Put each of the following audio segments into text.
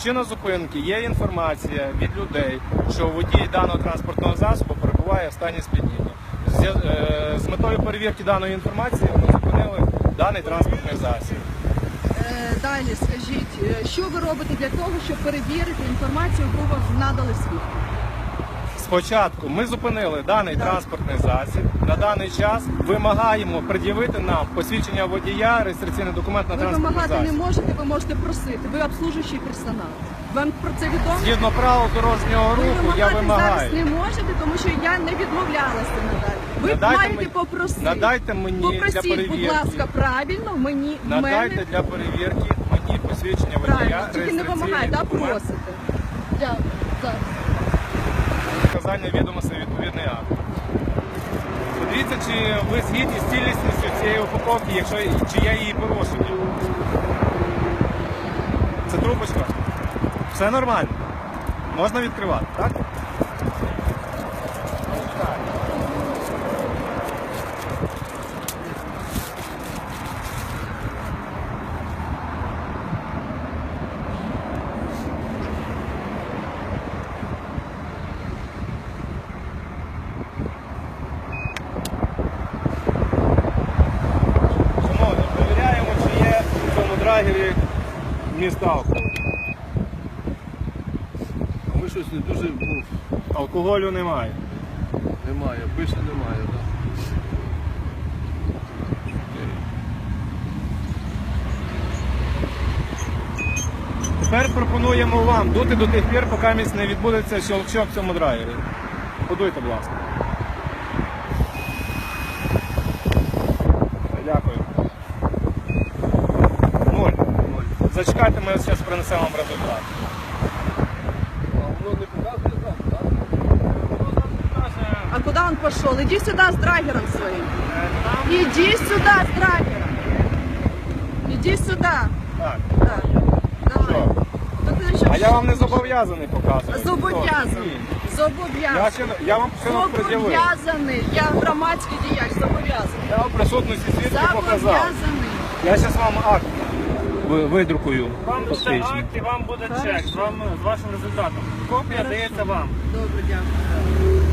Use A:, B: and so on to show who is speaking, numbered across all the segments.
A: Причина зупинки, є інформація від людей, що водій даного транспортного засобу перебуває в стані сп'яніння. З метою перевірки даної інформації ми зупинили даний транспортний засіб.
B: Далі скажіть, що ви робите для того, щоб перевірити інформацію, яку вам надали свідки?
A: Спочатку ми зупинили даний транспортний засіб. На даний час вимагаємо пред'явити нам посвідчення водія, реєстраційний документ на
B: Ви
A: транспортний засіб.
B: вимагати не можете, ви можете просити. Ви обслужуючий персонал. Вам про це відомо?
A: Згідно правил дорожнього
B: Ви
A: руху я
B: вимагати
A: вимагаю.
B: зараз не можете, тому що я не відмовлялася надалі. Ви
A: Надайте
B: маєте
A: мені-
B: попросити.
A: надайте мені для
B: Попросіть,
A: перевірки.
B: будь ласка, правильно, мені, в мене.
A: Надайте для перевірки мені посвідчення водія,
B: Правильно, тільки не
A: реєстраційний
B: вимагаєте, а
A: документ,
B: просите. Дякую. Зараз.
A: вказання відомостей відповідний акт. Подивіться, чи ви згідні з цілісністю цієї упаковки, чи я її порушую. Це трубочка. Все нормально. Можна відкривати, так? Шановні, перевіряємо, чи є в цьому драгері вміст алкоголю.
C: Ми щось не дуже
A: Алкоголю немає.
C: немає, більше немає. Да.
A: Тепер пропонуємо вам дути до тих пір, поки не відбудеться щелчок в цьому драйвері. Подуйте, будь ласка. Дякую. 0. Зачекайте, ми зараз принесемо вам результат.
C: А воно не показує там, так?
B: А куда он пошел? Иди сюда с драгером своим. Иди сюда с драгером. Иди сюда.
A: Так.
B: Так. Давай.
A: Що?
B: Так ти що?
A: А я вам не зобов'язаний показувати.
B: Зобов'язаний. Зобов'язаний.
A: Я вам все пред'явив.
B: Зобов'язаний. Я громадський діяч, зобов'язаний.
A: Я вам в присутності свідків показав.
B: Зобов'язаний.
A: Я зараз вам акт видрукую.
D: Вам буде
A: посвідчення.
D: акт і вам буде чек
B: Хорошо.
D: з вашим результатом. Копія дається вам.
B: Добре, дякую.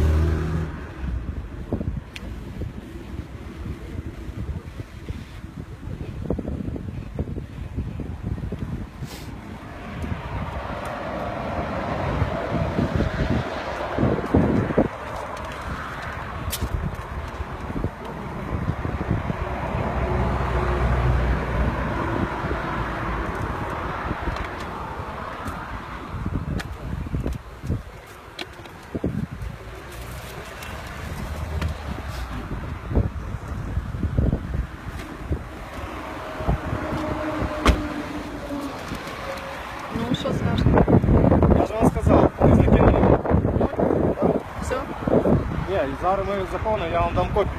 B: Ну, що скажете?
A: Я ж вам сказав, не закинули.
B: Все?
A: Ні, і зараз ми заповнимо, я вам дам копію.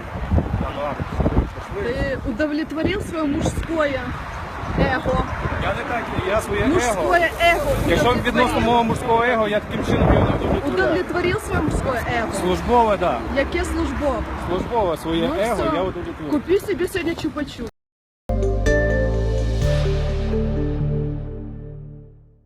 B: Ты удовлетворил свое мужское эго?
A: Я не так, я своє его.
B: Мужское эго.
A: Якщо відносно мого мужського его, я таким чином його не удовлетворяю.
B: Удовлетворил свое мужское эго?
A: Службове, так.
B: Яке службове?
A: Службове своє
B: Ну
A: его
B: все.
A: я удовлетворю.
B: Купи себе сегодня чупа-чуп.